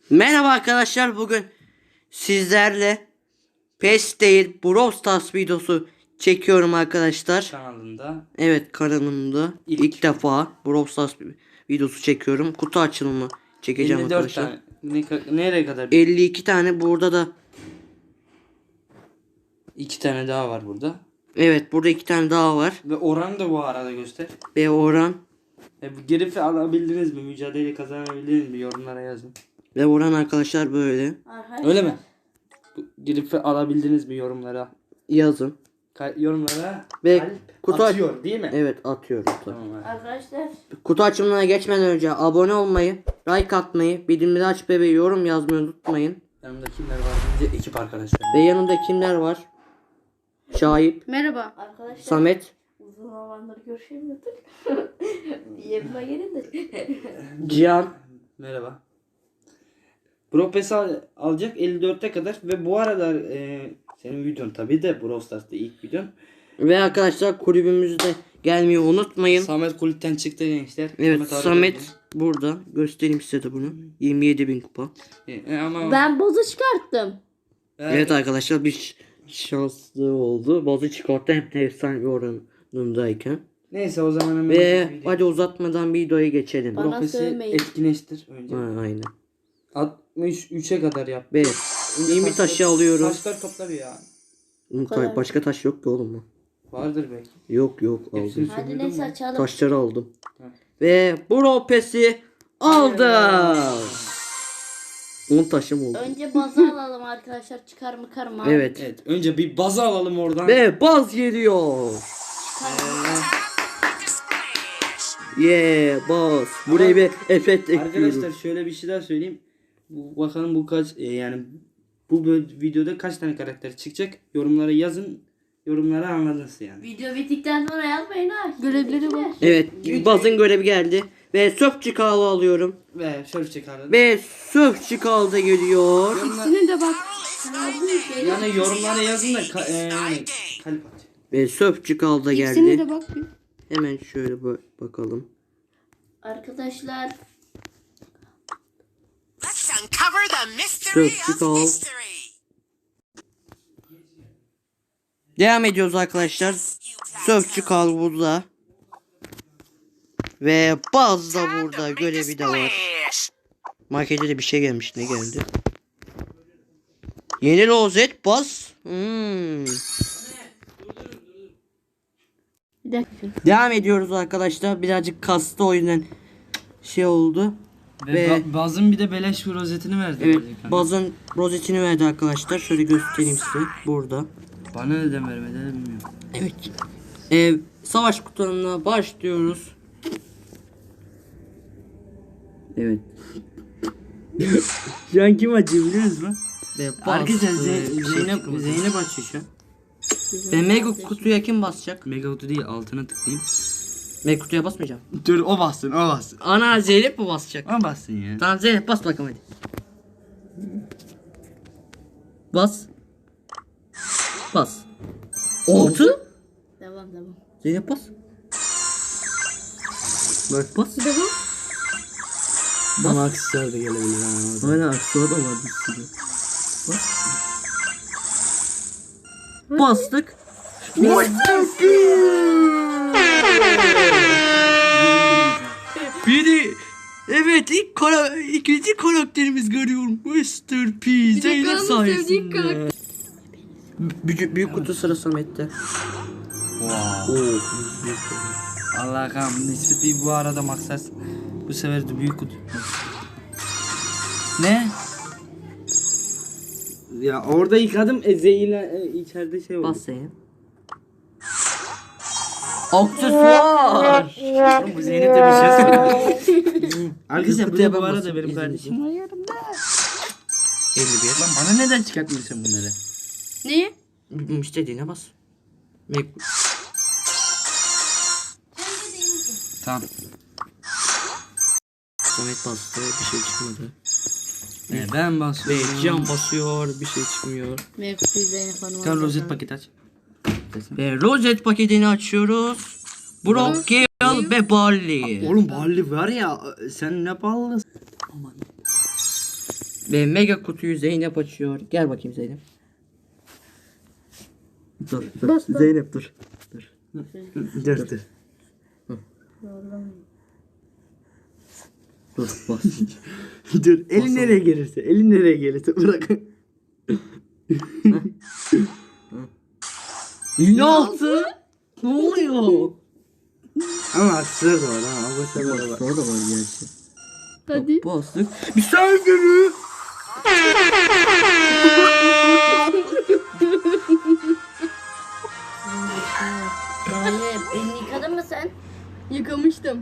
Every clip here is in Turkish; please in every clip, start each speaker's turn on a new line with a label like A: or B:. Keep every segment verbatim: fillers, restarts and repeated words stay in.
A: Merhaba arkadaşlar, bugün sizlerle PES değil Brawl Stars videosu çekiyorum arkadaşlar.
B: Kanalında.
A: Evet, kanalımda ilk,
B: İlk.
A: ilk defa Brawl Stars videosu çekiyorum. Kutu açılımı çekeceğim
B: elli dört
A: arkadaşlar.
B: tane. Ne, ka- nereye kadar?
A: elli iki tane burada da.
B: İki tane daha var burada.
A: Evet, burada iki tane daha var.
B: Ve oranı da bu arada göster.
A: Ve oran.
B: E, bu Grif'i alabildiniz mi? Mücadele kazanabildiniz mi? Yorumlara yazın.
A: Ve oran arkadaşlar böyle.
C: Arkadaşlar,
B: Öyle mi? Bu Grif'i alabildiniz mi yorumlara?
A: Yazın.
B: Ka- yorumlara
A: Ve
B: kalp
A: kutu aç-
B: atıyor değil mi?
A: Evet, atıyorum.
B: Tamam abi.
C: Arkadaşlar
A: Kutu açımına geçmeden önce abone olmayı, like atmayı, bildirimleri açmayı ve yorum yazmayı unutmayın.
B: Yanımda kimler var? Önce ekip arkadaşlar.
A: Ve yanında kimler var? Şahip,
C: merhaba. Arkadaşlar
A: Samet,
C: uzun zamandır görüşemiyorduk. Yerime gelin de.
A: Cihan.
B: Merhaba. Brawl Pass al- alacak elli dörtte kadar ve bu aralar e, senin videon tabi de Brawl Stars'ta ilk videon.
A: Ve arkadaşlar kulübümüzde gelmeyi unutmayın.
B: Samet kulüpten çıktı gençler.
A: Evet,
B: abi
A: Samet
B: geldi.
A: burada. Göstereyim size de bunu. yirmi yedi bin kupa.
B: E, e, ama
C: Ben bozu çıkarttım.
A: Evet arkadaşlar, bir ş- şanslı oldu. Bazı çıkarttı hem de efsane bir oranındayken.
B: Neyse o zaman hemen
A: Ve
B: video-
A: hadi uzatmadan videoya geçelim.
C: Bana
B: Brawl Pass'i
C: sövmeyin.
B: etkileştir önce.
A: Ha, aynen.
B: altmış üçe kadar yap.
A: Ve
B: Önce
A: yirmi
B: taşlar-
A: taşı alıyoruz.
B: Taşlar topla bir ya.
A: Ta- Başka taş yok ki oğlum mu?
B: Vardır belki.
A: Yok yok aldım.
B: Hepsini
C: Hadi
B: sömürdün
C: neyse
B: mü?
C: açalım.
A: Taşları aldım.
B: Ha.
A: Ve Brawl Pass'i aldım. on taşım oldu.
C: Önce bazı alalım arkadaşlar. Çıkar mı kar mı?
A: Evet.
B: Evet önce bir baza alalım oradan.
A: Ve baz geliyor. Yeah, baz. Buraya bir efekt ekliyorum.
B: Arkadaşlar şöyle bir şey daha söyleyeyim. Bu, bakalım bu kaç e, yani bu böl- videoda kaç tane karakter çıkacak? Yorumlara yazın. Yorumlara anladınız yani.
C: Video bittikten sonra yazmayın ha. Görevleri bak.
A: Evet, bazın görevi geldi. Ve söpçü kahve alıyorum.
B: Ve şöyle çıkardım.
A: Ve söpçü kahve geliyor.
B: Yorumlar,
C: İkisini de bak.
B: yani yorumlara yazın da ka- e, yani kalp at.
A: Ve söpçü kahve
C: İkisini
A: geldi.
C: de bak.
A: Hemen şöyle ba- bakalım.
C: Arkadaşlar
D: Let's uncover the mystery
A: Söpçü
D: of
A: kahve.
D: mystery.
A: Devam ediyoruz arkadaşlar. Söpçü kahve burada. Ve baz da burada, görevi de var.
D: Splash.
A: Markete de bir şey gelmiş. Ne geldi? Yeni rozet baz. Hmm.
C: bir dakika.
A: Devam ediyoruz arkadaşlar. Birazcık kastı, o yüzden şey oldu.
B: Ve,
A: Ve-
B: ba- bazın bir de beleş bir rozetini verdi.
A: Evet,
B: Bazı-
A: bazın rozetini verdi arkadaşlar. Şöyle göstereyim size. Burada.
B: Bana neden vermedi bilmiyorum.
A: Evet. Ee, savaş kutularına başlıyoruz. Evet.
B: Şu an kim açıyor biliyor musun?
A: Ve
B: Arkadaşlar
A: bastı.
B: Ze-
A: Bir şey
B: Zeynep,
A: çıkmadı.
B: Zeynep açıyor şu an.
A: Ve mega kutuya kim basacak?
B: Mega kutu değil altına tıklayayım.
A: Mega kutuya basmayacağım.
B: Dur o bassın o bassın.
A: Ana, Zeynep mi basacak?
B: O bassın ya.
A: Tamam Zeynep, bas bakalım hadi. Bas. Bas. Altı.
C: Devam devam.
A: Zeynep bas. Bak bas.
C: Devam.
B: Bana aksesuar da gelebilir ha.
A: Aynen, aksuar da var bir sürü. Bas. Bastık. Biri. Evet, ilk kara, ikinci karakterimiz görüyorum. mister P. Zeynep sayesinde. Büyük, büyük kutu sıra Samet'te.
B: Wow.
A: Oo.
B: Allah kahretsin. Nispeti bu arada maksat. Bu sefer de büyük kutu. Ne? Ya orada yıkadım e, zehirle e, içeride şey oldu.
A: Bas Zeynep. Aksesuar.
B: Oğlum bu Zeynep de bir şey söyledi. Arkadaşlar bu
A: Kutuya
B: da bu
A: ben
B: arada
A: basıp
B: benim
A: izleyeceğim.
B: kardeşim var yanımda.
A: elli bir.
B: Lan bana neden çıkartmıyorsun bunları?
C: Neyi?
A: İstediğine bas. Ve
B: Tamam.
A: Samet bastı, bir şey çıkmadı.
B: E, ben
A: Ve
B: basıyorum.
A: Cihan basıyor, bir şey çıkmıyor.
C: Mevkutu Zeynep Hanım.
B: Tamam rozet paket aç.
A: Ve rozet paketini açıyoruz. Brock, Gale ve Barley.
B: Oğlum Barley var ya sen ne ballısın. Aman.
A: Ve mega kutuyu Zeynep açıyor. Gel bakayım Zeynep. Dur, dur.
C: Bas, bas.
A: Zeynep dur. Dur. Dur, dur. Dur, bas. Dur, elin nereye gelirse, elin nereye gelirse bırak. Yine altı. Ne oluyor?
B: Ama aksırır da var ha. Bu sefer de var.
A: Orada var gerçi.
C: Hadi.
A: Bastık. Bir saniye.
C: Zeynep elini yıkadın mı sen?
E: Yıkamıştım.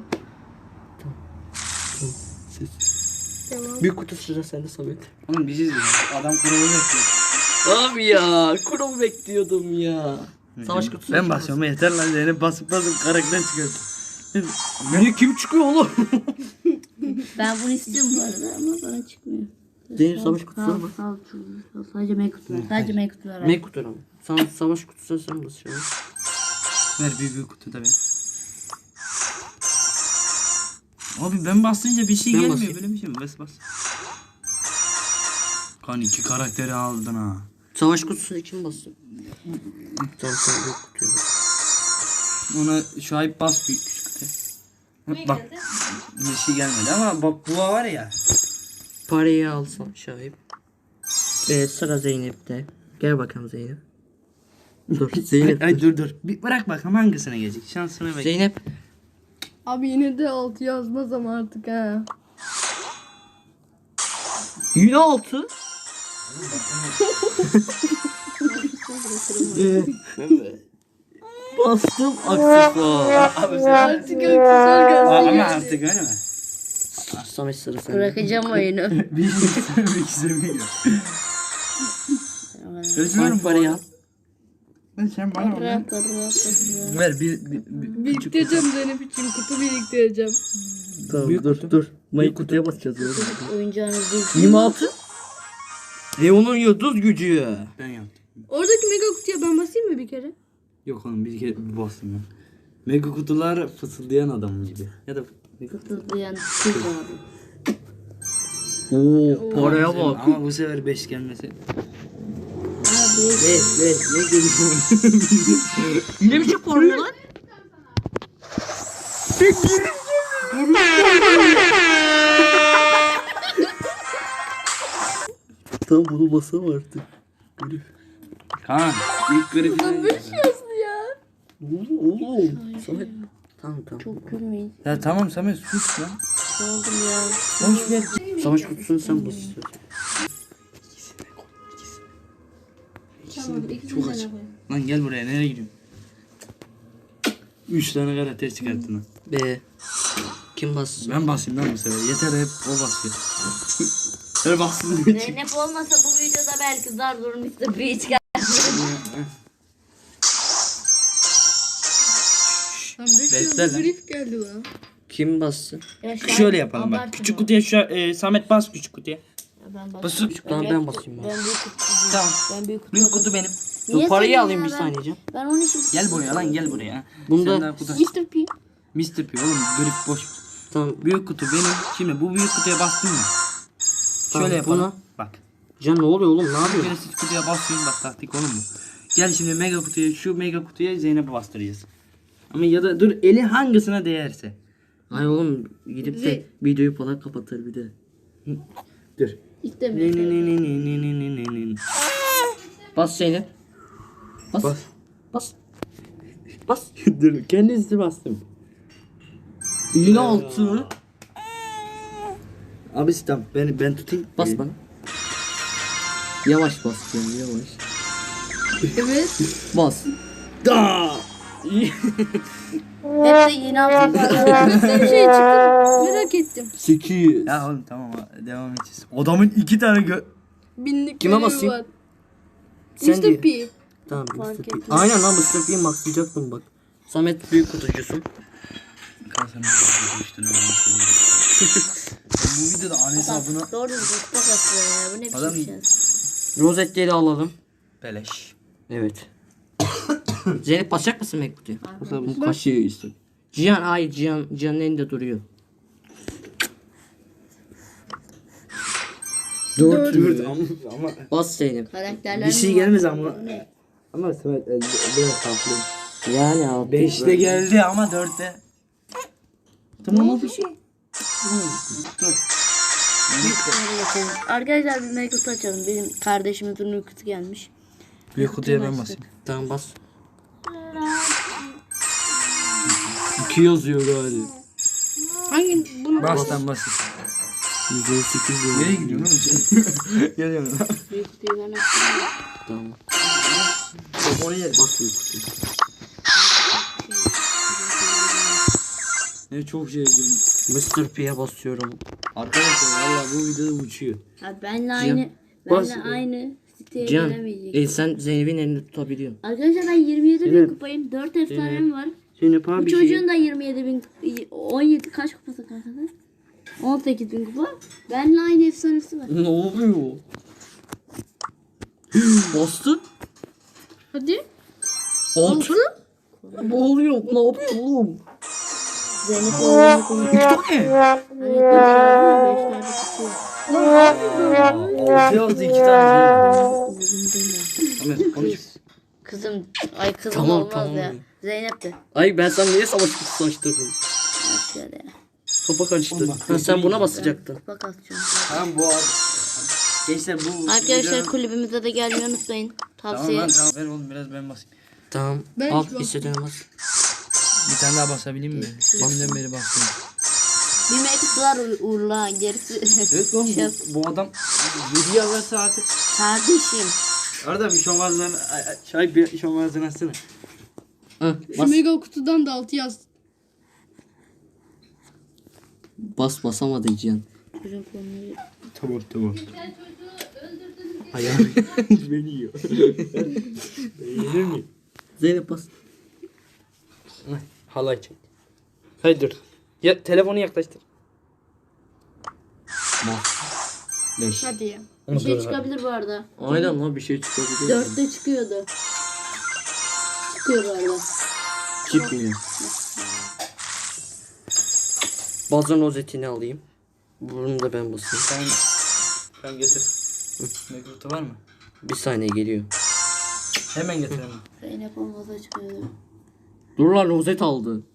A: Bir kutu sıra sende Samet.
B: Oğlum bir şey diyeceğim. Adam kuralı yapıyor.
A: Abi ya, kurum bekliyordum ya. Savaş kutusu.
B: Ben basıyorum yeter lan Zeynep basıp basıp karakter çıkarttı.
A: Beni kim çıkıyor oğlum?
C: Ben bunu istiyorum bu arada ama bana çıkmıyor.
A: Zeynep savaş kutusu
C: Sağ ol,
A: ama.
C: sağ ol. Sağ ol. Sadece meyve kutular. Sadece meyve kutular.
A: Ne kutu ama? Sana savaş kutusu sen basıyorsun.
B: Ver bir büyük kutu da ver. Abi ben basınca bir şey
A: Ben
B: gelmiyor
A: basayım.
B: böyle bir şey mi? Bas bas. Kan iki karakteri aldın ha.
A: Savaş kutusunu kim basıyor? Tamam sen büyük kutuya bas.
B: Ona şu ay bas büyük küçük kutu. Bak bir şey gelmedi ama bak bu var ya.
A: Parayı alsam şahip. Ee, sıra Zeynep'te. Gel bakalım Zeynep. Dur
B: Ay,
A: Zeynep.
B: ay dur dur. Bir bırak bakalım hangisine gelecek. Şansını bek.
A: Zeynep.
E: Abi yine de altı yazmaz ama artık ha.
A: Yine altı. Ee, Bastım aksesuar.
B: Abi sen...
E: Artık aksesuar
B: Aa,
E: geldi.
B: ama artık öyle mi?
A: Samet sıra sende.
C: Bırakacağım oyunu.
B: Bir iki bir iki sevmiyor. Özlüyorum
A: Hangi parayı al?
B: Ben sen bana ver.
C: Rap, rap, rap.
B: Ver bir, bir, bir
E: Biriktireceğim Zeynep için kutu biriktireceğim.
A: Tamam
B: Büyük
A: dur
B: kutu.
A: dur. Mayı kutuya basacağız ya.
C: Oyuncağınız değil.
A: yirmi altı. Leon'un yıldız gücü.
B: Ben yaptım.
E: Oradaki mega kutuya ben basayım mı bir kere?
B: Yok oğlum bir kere bir bastım ben. Mega kutular fısıldayan adam gibi. Ya da
C: Tuzlayan kız abi.
A: Oo paraya bak.
B: Ama bu sefer beş gelmesi.
C: Abi.
A: Beş beş ne geliyor? Ne biçim para lan? Tam bunu basam artık.
B: Kaan ilk grip.
E: Yazdı ya.
A: Oğlum oğlum. Samet. Tamam tamam.
C: Çok gülmeyin.
B: Ya tamam Samet sus lan.
C: Ne oldum ya?
B: Boş ver.
A: Savaş kutusunu sen bas istiyorsan.
E: Tamam ikisini
A: aç.
E: de koyayım.
B: Lan gel buraya nereye gidiyorsun? Üç tane karakter çıkarttın lan.
A: Be. Kim bassın?
B: Ben basayım lan bu sefer. Yeter hep o basıyor. Her bassın.
C: Zeynep olmasa bu videoda belki zar zor mister P çıkar.
E: Lan beş
B: Bekle
E: yazdı
B: lan.
E: grif geldi lan.
A: Kim bassın?
C: Ya şu an
B: Şöyle yapalım bak.
C: abartma.
B: Küçük kutuya şu e, Samet bas küçük kutuya.
C: Ya ben
B: Basın
C: basayım.
B: küçük
A: Tamam ben basayım ben.
C: Ben büyük kutu.
B: Tamam.
C: Ben büyük kutu.
B: Büyük kutu benim.
A: Dur
C: Niye
A: parayı
C: sen
A: alayım
C: ya?
A: bir
C: Ben-
A: saniyece.
C: Ben onun için
B: Gel buraya lan gel buraya.
A: Bunda-
B: Sen daha kutu.
E: mister P.
B: mister P oğlum grip boş.
A: Tamam.
B: Büyük kutu benim. Şimdi bu büyük kutuya bastın mı?
A: Tamam,
B: Şöyle yapalım.
A: buna-
B: Bak.
A: Can ne oluyor oğlum ne
B: Bir
A: yapıyorsun?
B: kere siz kutuya basıyorsun bak taktik oğlum bu. Gel şimdi mega kutuya şu mega kutuya Zeynep'e bastıracağız. Ama ya da dur eli hangisine değerse.
A: Ay oğlum gidip de videoyu falan kapatır bir de.
B: Dur. Ne
C: istemiyorum.
B: ne ne ne ne ne ne ne ne.
A: Bas Zeynep. Bas.
B: Bas.
A: Bas. Bas.
B: Dur kendisi bastım.
A: Yine altı.
B: Abi tamam ben ben tutayım.
A: Bas bana. Yavaş bas yani yavaş.
E: Evet.
A: Bas.
B: Da.
C: Hep de yeni altın.
E: Nasıl bir şey çıktı merak ettim.
A: sekiz.
B: Ya oğlum tamam devam edeceğiz. Adamın iki tane gö...
E: Binlik
A: Kime
E: görevi
A: basayım?
E: var.
A: Sen
E: mister
A: diye.
E: P.
A: Tamam
C: Fark
A: mister P.
C: etmez.
A: Aynen lan mister P'yi maxlayacaktım bak. Samet büyük kutucusun.
B: Kasanın üstüne almış. Bu videoda an hesabına
C: Doğru düzgün kutu kasıyor ya. Bu ne
B: Adam-
C: biçim şey?
A: Rozetleri alalım.
B: beleş.
A: Evet. Zeynep basacak mısın Mac kutuya? Bu kaşığı işte. Cihan hayır Cihan Cihan'ın elinde duruyor. Dört.
B: Dört ama, ama
A: Bas Zeynep.
C: Karakterler
B: bir şey
C: mi
B: gelmez
C: var?
B: ama.
C: Ne?
B: Ama Samet e, biraz farklı.
A: Yani altı.
B: Beşte geldi ama dörtte. Tamam o bir şey. Dur.
C: Şöyle geçelim. Arkadaşlar bir make kutu açalım. Benim kardeşimin turnu kutu gelmiş.
B: Büyük kutuya ben basayım.
A: Tamam bas. İki yazıyor galiba.
E: Hangi bunu
B: Bas lan bas.
A: yüz on sekiz yazıyor.
B: Nereye gidiyorsun oğlum? Geliyorum.
C: Büyük kutuyu ben açtım.
A: Tamam.
B: Oraya gel.
A: Bas büyük kutuyu.
B: Ne çok şey girdim.
A: mister P'ye basıyorum.
B: Arkadaşlar valla bu videoda uçuyor.
C: Abi benle aynı
A: bas.
C: benle aynı siteye
A: Cihan,
C: gelemeyecek.
A: e, sen Zeynep'in elini tutabiliyorsun.
C: Arkadaşlar ben yirmi yedi bin
B: Evet.
C: kupayım. dört efsanem var.
B: Zeynep
C: Bu
B: abi
C: çocuğun da yirmi yedi bin, on yedi kaç kupası kaldı? on sekiz bin kupa. Benle aynı efsanesi var.
A: Ne oluyor? Bastın.
E: hadi.
A: Altı. Ne oluyor? Ne yapıyor oğlum?
C: Zeynep oğlunu konuşuyor.
A: Ne?
C: Hani beşlerde tutuyor.
B: altı yazdı iki tane. Ahmet konuş.
C: Kızım, ay kızım
A: Tamam,
C: olmaz
A: tamam.
C: ya. Zeynep de.
A: Ay ben sana niye savaş kutusu açtırdım?
C: Bak şöyle ya.
A: Kafa karıştı. Ha, sen buna basacaktın.
C: Kupa kasacağım.
B: Tamam bu abi. Gençler bu.
C: Arkadaşlar
B: videonun-
C: kulübümüze de gelmeyi unutmayın.
B: Tamam
C: Tavsiye.
B: lan tamam ver oğlum biraz ben basayım.
A: Tamam.
E: Ben
A: Al
E: hiç bas-
A: istediğine bas.
B: Bir tane daha basabileyim mi? Deminden beri bastım.
C: Bir mektup var Uğur- Uğur'la gerisi.
B: Evet oğlum
C: Şey-
B: bu, bu adam yedi yazarsa artık.
C: Kardeşim.
B: Arada bir şomazlarını çay bir şomazlarını açsana.
A: Hı,
E: Şu
A: bas.
E: mega kutudan da altı yaz.
A: Bas basamadı Cihan.
C: Çocuğun konuyu.
B: Tamam tamam. Ayağım beni yiyor. Yenir mi?
A: Zeynep bas.
B: Halay çek. Hayır dur. Ya, telefonu yaklaştır.
A: beş.
E: Hadi ya.
C: Bir şey çıkabilir bu arada.
A: Aynen lan bir şey çıkabilir.
C: Dörtte çıkıyordu. Çıkıyor bu arada.
A: Çıkmıyor. Bazen rozetini alayım. Bunu da ben basayım.
B: Sen sen getir. Mekrutu var mı?
A: Bir saniye geliyor.
B: Hemen getirelim.
C: Zeynep olmasa çıkıyordu.
A: Dur lan rozet aldı.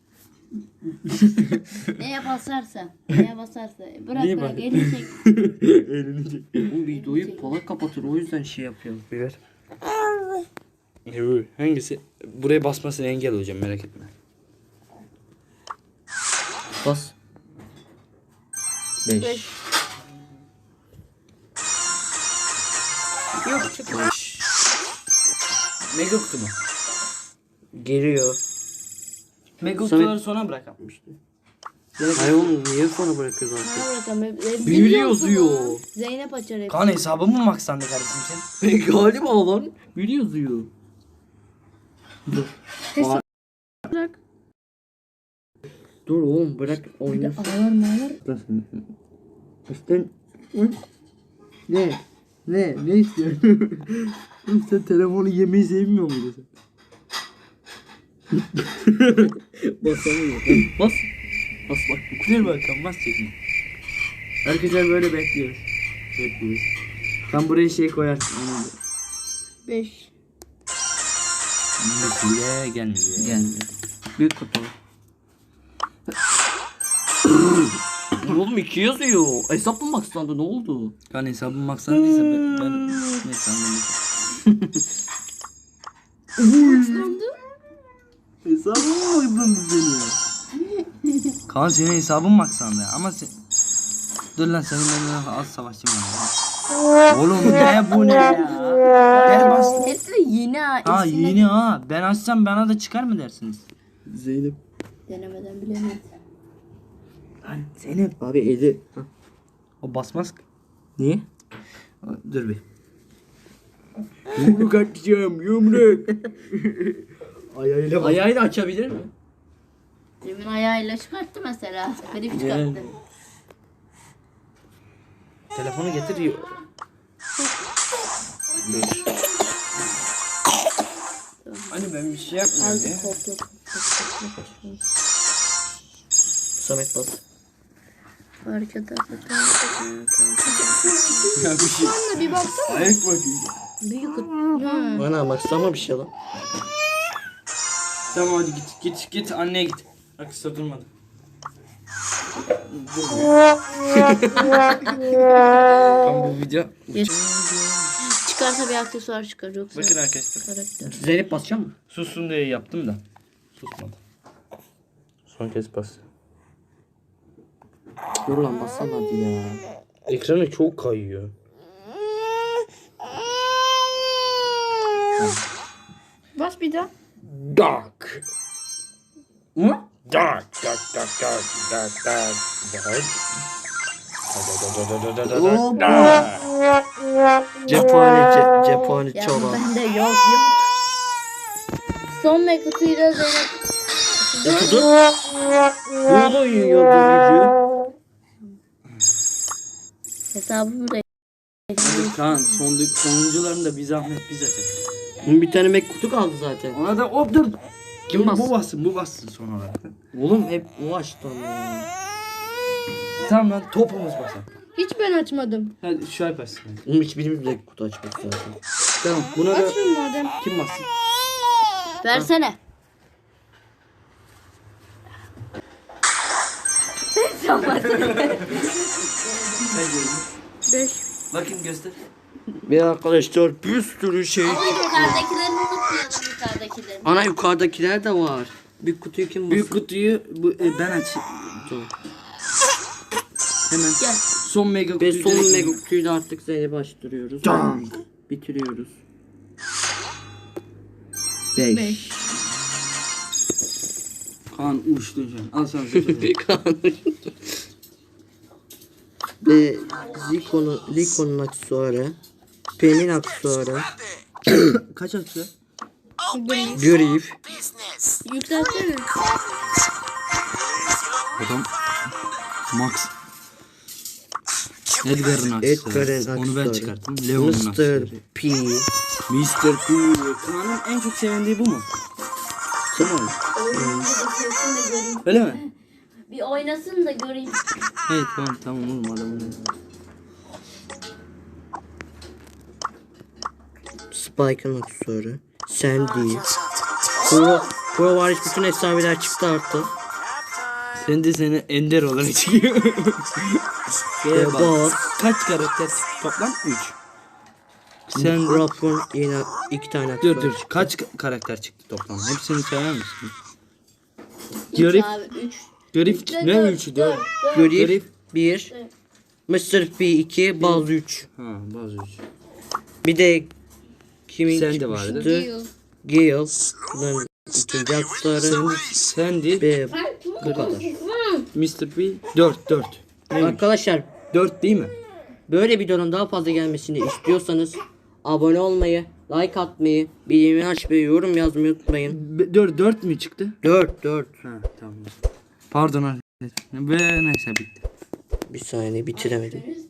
C: Neye basarsa. Neye basarsa. Bırak
A: Niye
C: bırak
A: bak-
C: elini çek.
B: Elini çek.
A: Bu videoyu Polat kapatır o yüzden şey yapıyorum.
B: Bir ver. Evet, hangisi? Buraya basmasını engel olacağım merak etme.
A: Bas. beş.
C: Beş.
E: Yok çıkmıyor.
B: Mega kutu mu?
A: Geliyor.
B: Mega
A: Samet-
B: kutuları sona bırakmıştı.
A: Hayır oğlum niye sonra bırakıyoruz artık?
C: Bana bırakalım. E, e,
A: Büyülü
C: biliyor musun
A: yazıyor.
C: lan? Zeynep açar hepsini.
B: Kan hesabı mı maksandı kardeşim sen?
A: Galiba lan. Büyülü yazıyor. Dur.
E: Hesap-
A: Aa,
E: Bırak.
A: dur oğlum bırak oynasın.
C: Ağlar mağlar.
A: İşte ne? Ne? Ne istiyorsun? Sen telefonu yemeyi sevmiyor muydun sen? Basamıyor. Bas. Bas bak.
B: Ver bakalım bas çekme.
A: Arkadaşlar böyle bekliyoruz.
B: Bekliyoruz. Sen buraya şey koyarsın. Onu da.
E: Beş.
B: Bile gelmedi.
A: Gelmedi. Büyük kutu. Oğlum iki yazıyor. Hesap mı maksandı ne oldu?
B: Kan hesabı maksadıysa ben, ben neyse anladım.
A: Hesap mı maksandı seni?
B: Kaan senin hesabın maksandı ama sen... Dur lan senin benimle az savaşçım var. Oğlum ne bu ne ya? Gel bas.
C: Hepsi de yeni ha.
B: Ha
C: İkisini
B: yeni ha. Ben açsam bana da çıkar mı dersiniz?
A: Zeynep.
C: Denemeden bilemez.
A: Lan Zeynep. Abi eli. Hah.
B: O basmaz ki.
A: Niye?
B: Dur bir.
A: Yumruk atacağım yumruk.
B: Ayağıyla
A: Ayağıyla açabilir mi?
C: Demin ayağıyla çıkarttı mesela. Grip çıkarttı.
B: Telefonu getir. Hani ben bir şey yapmıyorum ya.
C: Azıcık korktu.
A: Samet bas.
C: Fark ederse.
E: Bir baksana.
B: Ayak bakayım.
C: Büyük kutu.
E: Ha.
A: Bana baksana bir şey lan.
B: Tamam hadi git git git anneye git. Aksa durmadı. Tamam bu video.
C: Çıkarsa bir aksesuar çıkar yoksa.
B: Bakın arkadaşlar.
C: Karakter.
A: Zeynep basacak mı?
B: Sussun diye yaptım da. Susmadı. Son kez bas.
A: Dur lan bassana hadi ya.
B: Ekranı çok kayıyor.
E: Bas bir daha.
B: Dark. Mı? Dark, dark, dark, dark, dark, dark, dark.
A: Cephane, ce, cephane
C: Ya
A: çalar.
C: bende yok yok. Son ve kutuyla Zeynep.
A: Okudu. Bu da yiyor gücü.
C: Hesabımı da
B: Hadi Kaan son, sonuncularını da bir zahmet biz açalım.
A: Bunun bir tane mek kutu kaldı zaten.
B: Ona da hop dur.
A: Kim
B: Bu
A: bastı?
B: bassın bu bassın son olarak.
A: Oğlum hep o açtı ama ya.
B: Tamam lan topumuz basalım.
E: Hiç ben açmadım.
B: Hadi şu ay bassın.
A: Oğlum hiçbirimiz de kutu açmak zaten.
B: Tamam buna da
E: Açın madem.
B: kim bassın?
C: versene.
E: Beş.
B: Bakayım göster.
A: Ve arkadaşlar bir sürü şey.
C: Ama yukarıdakilerini unutmayalım yukarıdakilerini.
A: Ana yukarıdakiler de var. Bir kutuyu kim basın?
B: Büyük kutuyu bu, e, ben açayım.
A: Tamam.
B: Hemen.
C: Gel.
B: Son mega
A: Ve
B: kutuyu.
A: son
B: direkt-
A: mega kutuyu da artık Zeynep'e açtırıyoruz.
B: Tamam.
A: Bitiriyoruz.
B: Beş.
E: Beş.
B: Kaan uçtun şu an. Al sana kutu.
A: Ve Zico'nun Lico'nun aksesuarı. Pen'in aksesuarı.
B: Kaç atıyor?
A: Grif.
D: Business.
E: Yükseltsene.
B: Adam Max. Edgar'ın aksesuarı.
A: Edgar'ın
B: Onu ben
A: aksesuarı.
B: çıkarttım. Leon'un
A: mister
B: aksesuarı.
A: P.
B: mister P. Kaan'ın en çok sevindiği bu mu? Tamam. Öyle mi?
C: Bir oynasın da göreyim.
B: Hayır tamam tamam oğlum adamın.
A: Spike'ın aksesuarı. Sandy. Pro, Pro var bütün efsaneler çıktı artık.
B: Sen de seni ender olarak çıkıyor. Şeye bak.
A: Bot.
B: Kaç karakter toplam? üç. Sen
A: Rock'un yine iki tane
B: dur
A: aksesuarı.
B: dur kaç ka- karakter çıktı toplam? Hepsini sayar mısın? Grif,
C: Abi üç.
B: Grif ne üçü dört.
A: Grif
B: Grif.
A: bir. mister P iki. Buzz üç.
B: Ha bazı üç.
A: Bir de kimin
B: Sen de
A: çıkmıştı?
B: vardı.
A: Gale. Bunların ikinci aksesuarı.
B: Sandy,
A: Ve bu kadar.
B: mister P dört dört.
A: Arkadaşlar
B: dört değil mi?
A: böyle videonun daha fazla gelmesini istiyorsanız abone olmayı, like atmayı, bildirimleri açmayı, yorum yazmayı unutmayın.
B: dört dört mü çıktı?
A: dört dört.
B: Ha tamam. Pardon arkadaşlar. Ve neyse bitti.
A: Bir saniye bitiremedim.